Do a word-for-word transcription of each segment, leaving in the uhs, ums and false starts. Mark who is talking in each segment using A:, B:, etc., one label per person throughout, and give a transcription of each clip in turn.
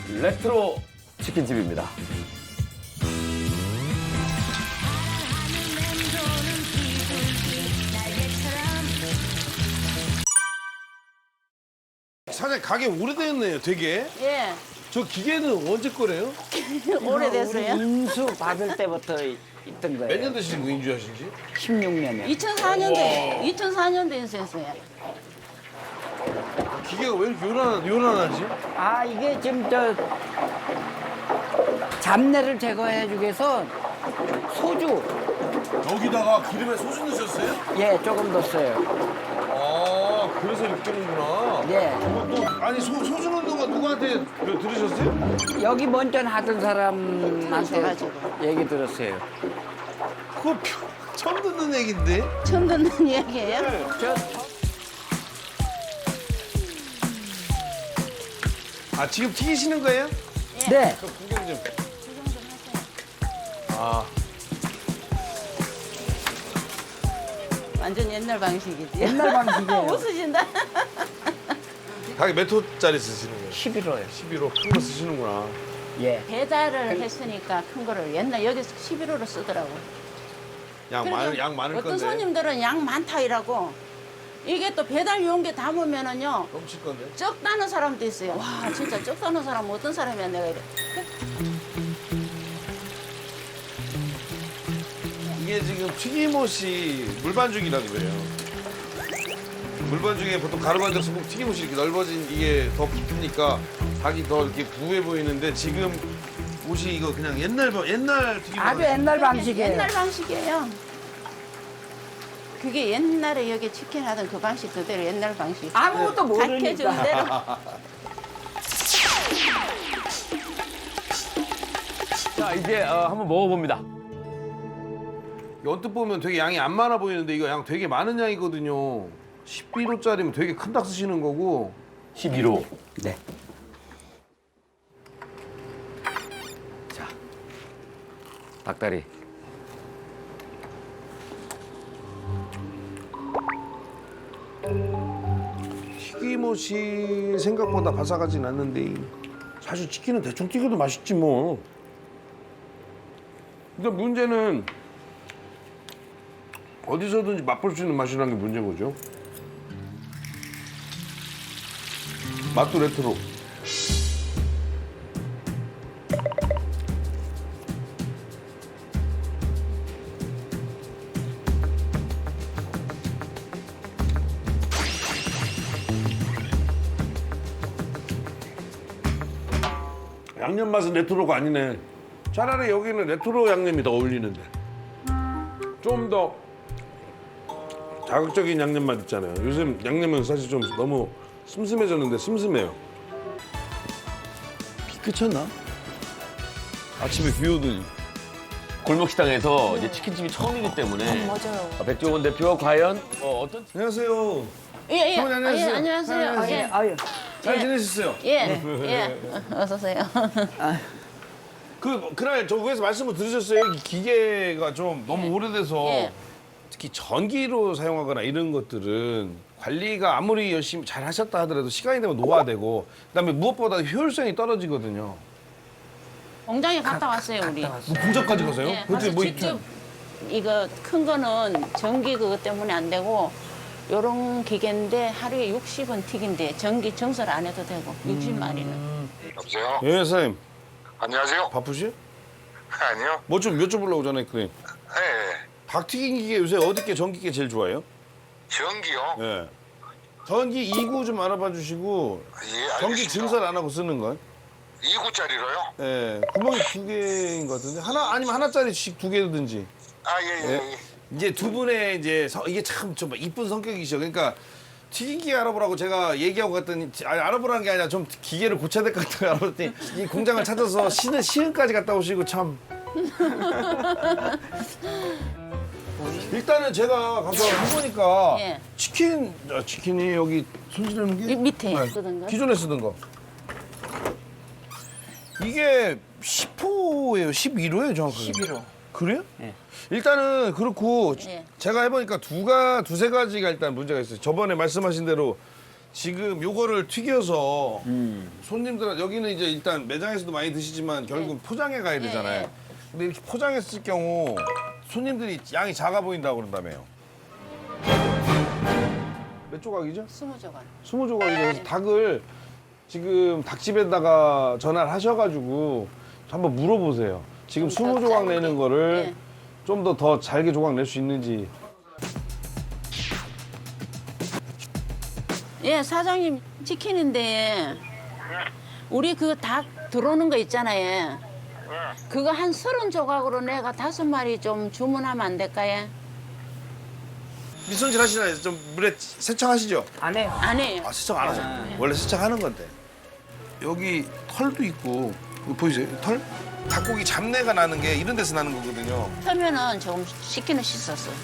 A: 레트로 치킨집입니다.
B: 사장님 가게 오래됐네요, 되게.
C: 예,
B: 저 기계는 언제 거래요?
C: 오래됐어요.
D: 인수 받을 때부터 있던 거예요.
B: 몇 년 되신 거 인주하신지?
D: 십육 년에.
C: 이천사 년도에 이천사 년도에 인수했어요.
B: 기계가 왜 이렇게 요란, 요란하지?
D: 아, 이게 지금 저 잡내를 제거해 주기 위해서 소주,
B: 여기다가 기름에 소주 넣으셨어요?
D: 예, 조금 넣었어요.
B: 아, 그래서 이렇게 끓는구나.
D: 예.
B: 또, 아니, 소, 소주 넣는 거 누구한테 그 들으셨어요?
D: 여기 먼저 하던 사람한테
C: 들어가지고.
D: 얘기 들었어요.
B: 그거 표- 처음 듣는 얘기인데?
C: 처음 듣는 이야기예요.
D: 저
B: 아, 지금 튀기시는 거예요?
D: 네.
B: 그 구경 좀. 아,
C: 완전 옛날 방식이지.
D: 옛날 방식이에요.
C: 웃으신다.
B: 가게 몇 호짜리 쓰시는 거예요?
D: 십일 호요.
B: 십일 호 큰 거 쓰시는구나.
D: 예.
C: 배달을 했으니까 큰 거를 옛날 여기서 십일 호로 쓰더라고.
B: 양 많을, 양 많을
C: 어떤
B: 건데.
C: 손님들은 양 많다 이라고. 이게 또 배달 용기 담으면은요
B: 넘칠 건데.
C: 적다는 사람도 있어요. 와 진짜 적다는 사람은 어떤 사람이야 내가 이래.
B: 이게 지금 튀김옷이 물반죽이라고 그래요. 물반죽에 보통 가루반죽 꼭 튀김옷이 이렇게 넓어진 이게 더 붙으니까 닭이 더 이렇게 부해 보이는데 지금 옷이 이거 그냥 옛날 바- 옛날 튀김옷.
D: 아주 옛날 방식이에요.
C: 옛날 방식이에요. 그게 옛날에 여기 치킨 하던 그 방식 그대로 옛날 방식.
D: 아무것도
C: 가르쳐준
D: 모르니까.
C: 대로.
A: 자, 이제 어, 한번 먹어봅니다.
B: 언뜻 보면 되게 양이 안 많아 보이는데 이거 양 되게 많은 양이거든요. 십일 호짜리면 되게 큰 닭 쓰시는 거고.
A: 십일 호.
D: 네.
A: 자, 닭다리.
B: 튀김옷이 생각보다 바삭하진 않는데 사실 치킨은 대충 튀겨도 맛있지 뭐. 근데 문제는 어디서든지 맛볼 수 있는 맛이라는 게 문제인 거죠. 맛도 레트로. 양념 맛은 레트로가 아니네. 차라리 여기는 레트로 양념이 더 어울리는데. 좀 더 자극적인 양념 맛 있잖아요. 요즘 양념은 사실 좀 너무 슴슴해졌는데 슴슴해요. 비 그쳤나? 아침에 비 오더니.
A: 골목식당에서 이제 치킨집이 처음이기 때문에
C: 맞아요.
A: 어, 백종원 대표 과연 어, 어떤
B: 안녕하세요.
C: 예, 예.
B: 어머니,
C: 아, 예,
B: 안녕하세요.
C: 안녕하세요.
B: 아,
C: 예.
D: 아유.
B: 잘
C: 예.
B: 지내셨어요?
C: 예, 예. 어서 오세요.
B: 그 그날 저 위에서 말씀을 들으셨어요? 이 기계가 좀 너무 오래돼서
C: 예.
B: 특히 전기로 사용하거나 이런 것들은 관리가 아무리 열심히 잘 하셨다 하더라도 시간이 되면 노화되고 그다음에 무엇보다 효율성이 떨어지거든요.
C: 공장에 갔다 왔어요, 우리.
B: 뭐 공장까지 가세요?
C: 예,
B: 그때
C: 가서
B: 뭐
C: 직접 이거 큰 거는 전기 그것 때문에 안 되고 요런 기계인데 하루에 육십 원 튀긴데 전기 정설 안 해도 되고 육십 마리는.
E: 여보세요?
B: 예, 선생님.
E: 안녕하세요?
B: 바쁘시?
E: 아니요.
B: 뭐 좀 여쭤보려고 전화했거든요.
E: 네.
B: 닭튀김 기계 요새 어디께 전기계 제일 좋아요?
E: 전기요?
B: 예. 전기 이 구 좀 알아봐 주시고
E: 예,
B: 전기
E: 알겠습니다.
B: 증설 안 하고 쓰는 건?
E: 이 구짜리로요?
B: 예. 구멍이 두 개인 것 같은데 하나 아니면 하나짜리씩 두 개든지.
E: 아, 예, 예,
B: 예.
E: 예.
B: 이제 두 분의 이제 서- 이게 참 좀 이쁜 성격이시죠. 그러니까 튀김기 알아보라고 제가 얘기하고 갔더니 아니, 알아보라는 게 아니라 좀 기계를 고쳐야 될 것 같다고 알아봤더니 이 공장을 찾아서 시는 시흥까지 갔다 오시고 참. 일단은 제가 가서 해보니까
C: 예.
B: 치킨 아, 치킨이 여기 손질하는 게
C: 이 밑에
B: 네.
C: 쓰던 거.
B: 기존에 쓰던 거 이게 십 호예요, 십일 호예요 정확하게.
D: 십일 호.
B: 그래요?
D: 예.
B: 일단은 그렇고
C: 예.
B: 제가 해보니까 두가 두세 가지가 일단 문제가 있어요. 저번에 말씀하신 대로 지금 요거를 튀겨서
A: 음.
B: 손님들 여기는 이제 일단 매장에서도 많이 드시지만 결국 포장해 가야 되잖아요.
C: 네.
B: 근데 이렇게 포장했을 경우 손님들이 양이 작아 보인다고 그런다며요. 몇 조각이죠?
C: 스무 조각.
B: 스무 조각이죠. 그래서 닭을 지금 닭집에다가 전화를 하셔가지고 한번 물어보세요. 지금
C: 좀
B: 스무
C: 더
B: 조각
C: 짧게.
B: 내는 거를
C: 네.
B: 좀 더 더 잘게 조각 낼 수 있는지.
C: 예, 사장님 치킨인데 우리 그 닭 들어오는 거 있잖아요. 그거 한 서른 조각으로 내가 다섯 마리 좀 주문하면 안 될까요?
B: 밑손질 하시나요? 좀 물에 세척하시죠?
D: 안 해요.
C: 안 해요.
B: 아, 세척 안 하죠. 원래 세척하는 건데. 여기 털도 있고 이거 보이세요? 털? 닭고기 잡내가 나는 게 이런 데서 나는 거거든요.
C: 처음에는 조금 씻기는 씻었어요.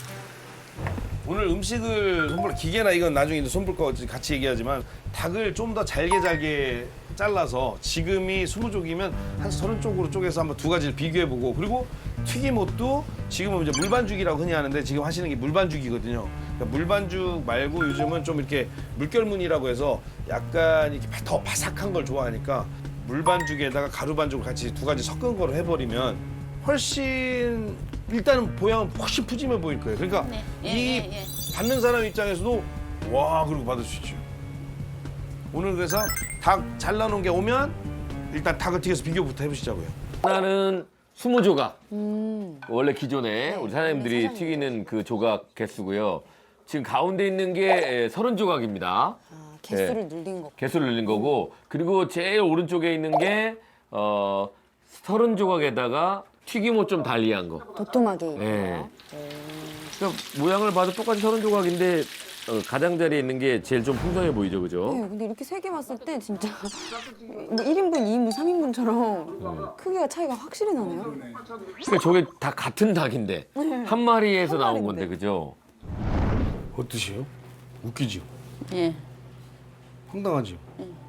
B: 오늘 음식을 손볼 기계나 이건 나중에 이제 손볼 거 같이 얘기하지만 닭을 좀 더 잘게 잘게 잘라서 지금이 스무 쪽이면 한 서른 쪽으로 쪼개서 한번 두 가지를 비교해보고 그리고 튀김옷도 지금은 이제 물반죽이라고 흔히 하는데 지금 하시는 게 물반죽이거든요. 그러니까 물반죽 말고 요즘은 좀 이렇게 물결무늬라고 해서 약간 이렇게 더 바삭한 걸 좋아하니까 물반죽에다가 가루반죽을 같이 두 가지 섞은 거로 해버리면 훨씬 일단은 보양은 훨씬 푸짐해 보일 거예요. 그러니까
C: 네. 예,
B: 이
C: 예, 예.
B: 받는 사람 입장에서도 와 그러고 받을 수 있죠. 오늘 그래서 닭 잘라놓은 게 오면 일단 닭을 튀겨서 비교부터 해보시자고요.
A: 하나는 스무 조각. 원래 기존에
F: 네,
A: 우리 사장님들이 튀기는 그 조각 개수고요. 지금 가운데 있는 게 서른 조각입니다.
F: 아, 개수를 늘린 거.
A: 개수를 늘린 거고 그리고 제일 오른쪽에 있는 게 어, 서른 조각에다가 튀김옷 좀 달리한 거.
F: 도톰하게.
A: 네. 그러니까 모양을 봐도 똑같이 서른 조각인데 어, 가장자리에 있는 게 제일 좀 풍성해 보이죠, 그죠?
F: 네, 근데 이렇게 세 개 봤을 때 진짜 뭐 일 인분, 이 인분, 삼 인분처럼 크기가 차이가 확실히 나네요.
A: 그러니까 저게 다 같은 닭인데 한 마리에서
F: 한
A: 나온
F: 마리인데.
A: 건데, 그죠?
B: 어떠시요? 웃기지요?
C: 예.
B: 황당하지요?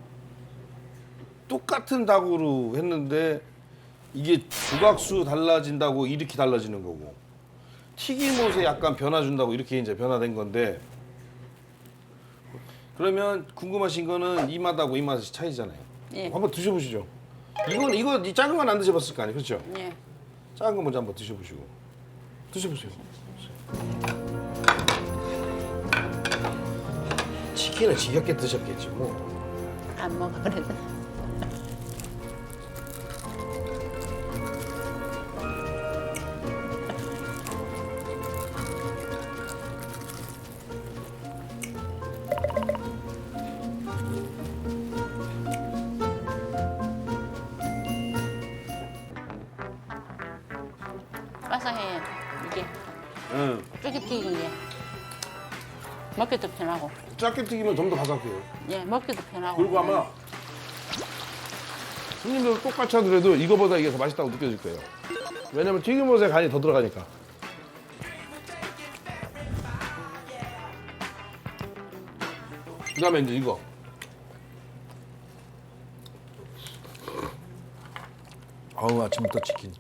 B: 똑같은 닭으로 했는데 이게 조각수 달라진다고 이렇게 달라지는 거고 튀김옷에 약간 변화 준다고 이렇게 이제 변화된 건데 그러면 궁금하신 거는 이 맛하고 이 맛이 차이잖아요.
C: 예.
B: 한번 드셔보시죠. 이건 이거 이 작은 건 안 드셔봤을 거 아니에요, 그렇죠?
C: 예.
B: 작은 거 먼저 한번 드셔보시고 드셔보세요. 치킨을 지겹게 드셨겠지 뭐.
C: 안 먹어 그래도. 바삭해요 이게
B: 응.
C: 쫄깃튀긴 게 먹기도 편하고
B: 작게 튀기면 좀 더 바삭해요.
C: 예 먹기도 편하고
B: 그리고 아마 손님들 똑같이 하더라도 이거보다 이게 더 맛있다고 느껴질 거예요. 왜냐면 튀김옷에 간이 더 들어가니까. 그다음에 이제 이거. 아우 아침부터 치킨.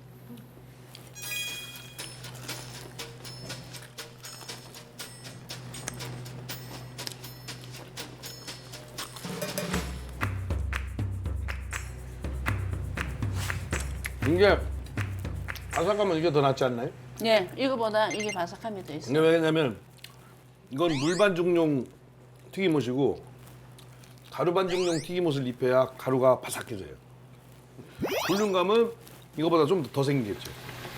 B: 이게 바삭하면 이게 더 낫지 않나요?
C: 예 이거보다 이게 바삭함이 더 있어요.
B: 근데 왜냐면 이건 물반죽용 튀김옷이고 가루반죽용 튀김옷을 입혀야 가루가 바삭해져요. 볼륨감은 이거보다 좀 더 생기겠죠.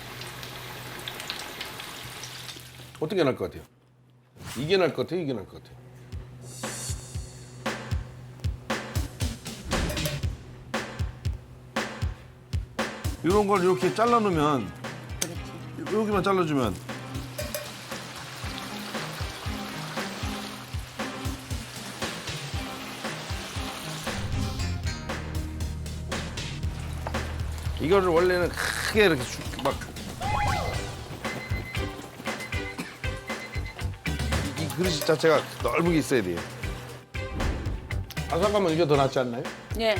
B: 어떤 게 나을 것 같아요? 이게 나을 것 같아요? 이게 나을 것 같아요? 이런 걸 이렇게 잘라놓으면 여기만 잘라주면 이거를 원래는 크게 이렇게 쭉 막 이 그릇 자체가 넓게 있어야 돼요. 바삭하면 이게 더 낫지 않나요?
C: 예.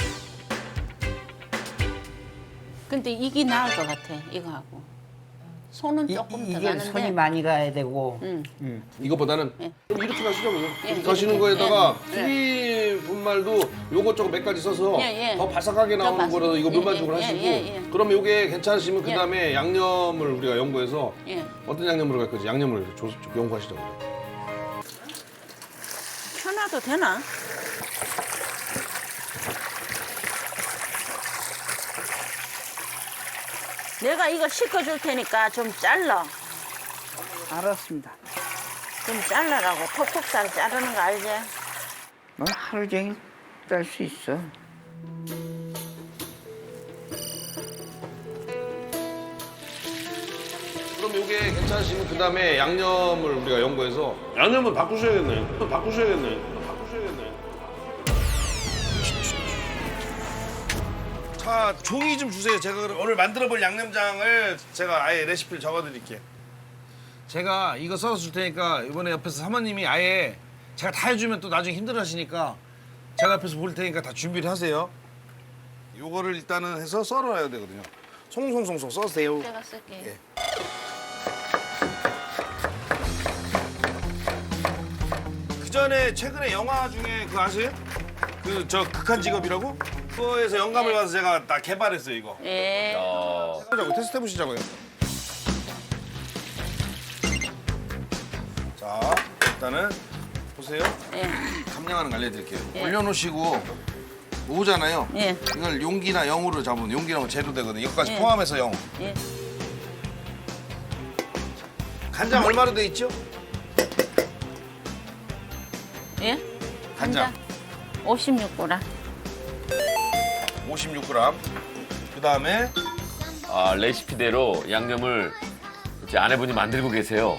C: 근데 이게 나을 것 같아 이거 하고. 손은
D: 이,
C: 조금 더
D: 이게
C: 가는데.
D: 손이 많이 가야 되고.
C: 응.
D: 음.
B: 이거보다는
C: 예.
B: 그럼 이렇게 가시자고요.
C: 예,
B: 이렇게
C: 예,
B: 가시는
C: 예,
B: 거에다가
C: 예,
B: 튀김 분말도 요것저것 몇 가지 써서
C: 예, 예.
B: 더 바삭하게
C: 더
B: 나오는
C: 바삭-
B: 거라서 이거
C: 예,
B: 물반죽을
C: 예,
B: 하시고
C: 예, 예, 예.
B: 그럼 요게 괜찮으시면 그
C: 예.
B: 다음에 양념을 우리가 연구해서
C: 예.
B: 어떤 양념으로 갈 건지 양념을 조, 조, 연구하시자고요.
C: 펴놔도 되나? 내가 이거 씻어줄 테니까 좀 잘라.
D: 알았습니다.
C: 좀 잘라라고. 톡톡 잘 자르는 거 알지?
D: 뭐 하루 종일 짤 수 있어.
B: 그럼 요게 괜찮으시면 그 다음에 양념을 우리가 연구해서 양념을 바꾸셔야겠네. 바꾸셔야겠네. 바꾸셔야겠네. 자, 종이 좀 주세요. 제가 그럼 오늘 만들어볼 양념장을 제가 아예 레시피를 적어드릴게요. 제가 이거 써서 줄 테니까 이번에 옆에서 사모님이 아예 제가 다 해주면 또 나중에 힘들어하시니까 제가 옆에서 볼 테니까 다 준비를 하세요. 요거를 일단은 해서 썰어놔야 되거든요. 송송송송 써세요.
C: 제가 쓸게요.
B: 예. 그 전에 최근에 영화 중에 그거 아세요? 그 저 극한 직업이라고? 그거에서 영감을 받아서 제가 딱 개발했어요 이거.
C: 예.
A: 어,
B: 해보자고 테스트 해보시자고요. 자 일단은 보세요.
C: 예.
B: 감량하는 거 알려드릴게요.
C: 예.
B: 올려놓으시고 오잖아요.
C: 예.
B: 이걸 용기나 영으로 잡으면 용기랑 재료되거든요. 이것까지
C: 예.
B: 포함해서 영.
C: 예.
B: 간장 얼마로 돼 있죠?
C: 예?
B: 간장
C: 오십육 그램.
B: 오십육 그램. 그 다음에
A: 아, 레시피대로 양념을 이제 아내분이 만들고 계세요.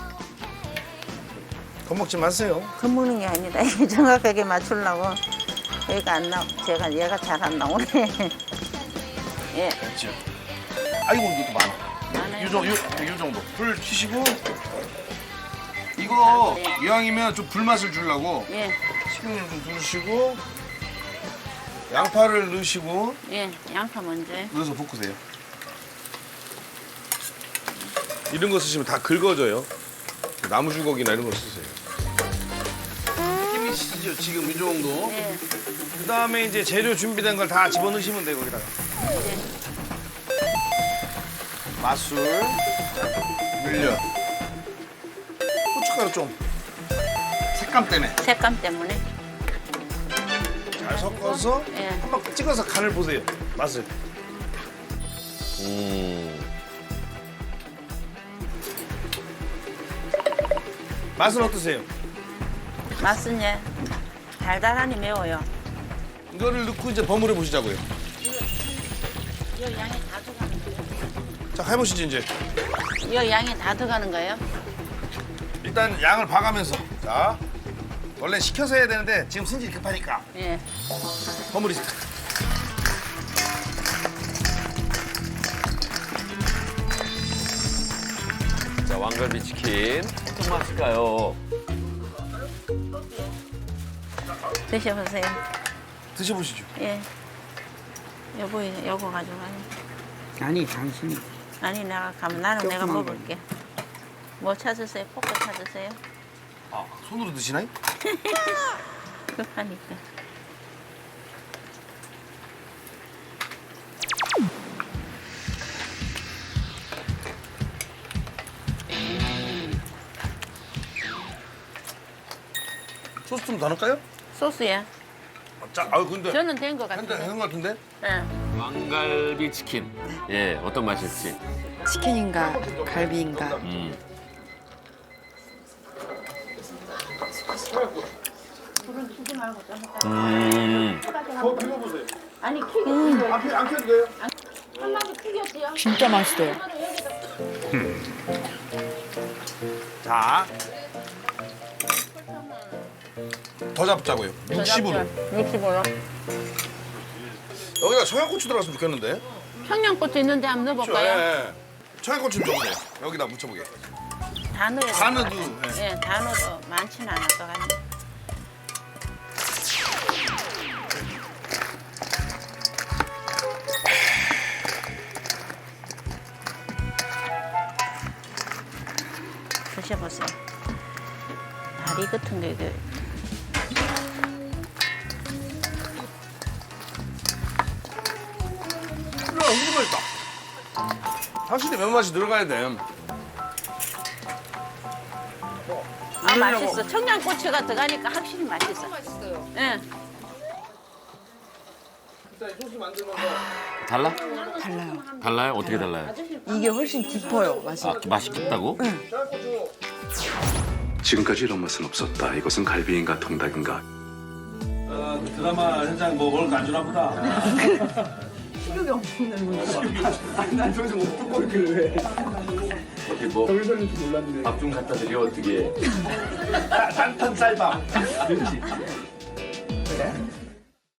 B: 겁먹지 마세요.
C: 겁먹는 게 아니다. 이게 정확하게 맞추려고. 얘가 안 나, 제가 얘가 잘 안 나오네. 예.
B: 그렇죠. 아이고 이것도 많아.
C: 많아요.
B: 요, 정- 요, 요 정도. 불 켜시고 이거 이왕이면 좀 불맛을 주려고
C: 예.
B: 식용유 좀 두르시고 양파를 넣으시고
C: 예. 양파 먼저.
B: 넣어서 볶으세요. 이런 거 쓰시면 다 긁어져요. 나무 주걱이나 이런 거 쓰세요. 느낌이 시죠 지금 이 정도.
C: 예.
B: 그 다음에 이제 재료 준비된 걸 다 집어넣으시면 돼요 거기다가. 맛술, 물엿, 고춧가루 좀. 색감 때문에
C: 색감 때문에.
B: 잘 섞어서
C: 예.
B: 한번 찍어서 간을 보세요. 맛을.
A: 음,
B: 맛은 어떠세요?
C: 맛은 예. 달달하니 매워요.
B: 이거를 넣고 이제 버무려 보시자고요.
C: 이 양이 다 들어가는 거예요?
B: 자 해보시죠 이제.
C: 이 양이 다 들어가는 거예요?
B: 일단 양을 봐가면서. 자 원래 식혀서 해야 되는데 지금 승질이 급하니까
C: 예.
B: 버무리세요.
A: 자, 왕갈비 치킨. 어떤 맛일까요?
C: 드셔보세요.
B: 드셔보시죠.
C: 예. 여보, 여보 가져가요.
D: 아니 당신이
C: 아니, 내가 가면 나는 내가
D: 조그만
C: 먹을게. 뭐 찾으세요? 포크 찾으세요?
B: 아 손으로 드시나요?
C: 급하니까.
B: 소스 좀 더 넣을까요?
C: 소스야.
B: 자, 아 근데
C: 저는 된 것
B: 한대
C: 같은데.
B: 되는 것 같은데?
C: 예.
A: 왕갈비 치킨. 예, 어떤 맛일지.
F: 치킨인가 갈비인가.
A: 음. 음.
C: 아니, 튀겨.
B: 안, 켜- 안 켜도 돼요?
C: 한 마리 튀겼어요.
F: 진짜 맛있어요.
B: 자. 더 잡자고요. 육십으로.
C: 육십으로.
B: 여기다 청양고추 들어갔으면 좋겠는데?
C: 청양고추 있는데 한번 넣어볼까요?
B: 예. 청양고추 좀 줘보세요. 여기다 묻혀보게.
C: 다 넣어야
B: 다
C: 돼.
B: 넣어도, 예.
C: 예, 다 넣어도 많지는 않을 것 같네. 같은 게 이게.
B: 너무 맛있다. 확실히 매운맛이 들어가야 돼.
C: 아 맛있어. 청양고추가 들어가니까 확실히 맛있어. 맛있어요. 예.
A: 달라?
F: 달라요.
A: 달라요? 어떻게 달라요?
F: 이게 훨씬 깊어요, 맛이.
A: 아, 맛이 깊다고?
G: 지금까지 이런 맛은 없었다. 이것은 갈비인가 통닭인가.
H: 어, 그 드라마 현장 뭐 오늘 안 주나 보다.
F: 식욕이 없는
H: 난 저기서 못 듣고 있길래.
A: 어떻게 뭐 밥 좀 갖다 드려 어떻게?
H: 딴딴 쌀밥. 그렇지.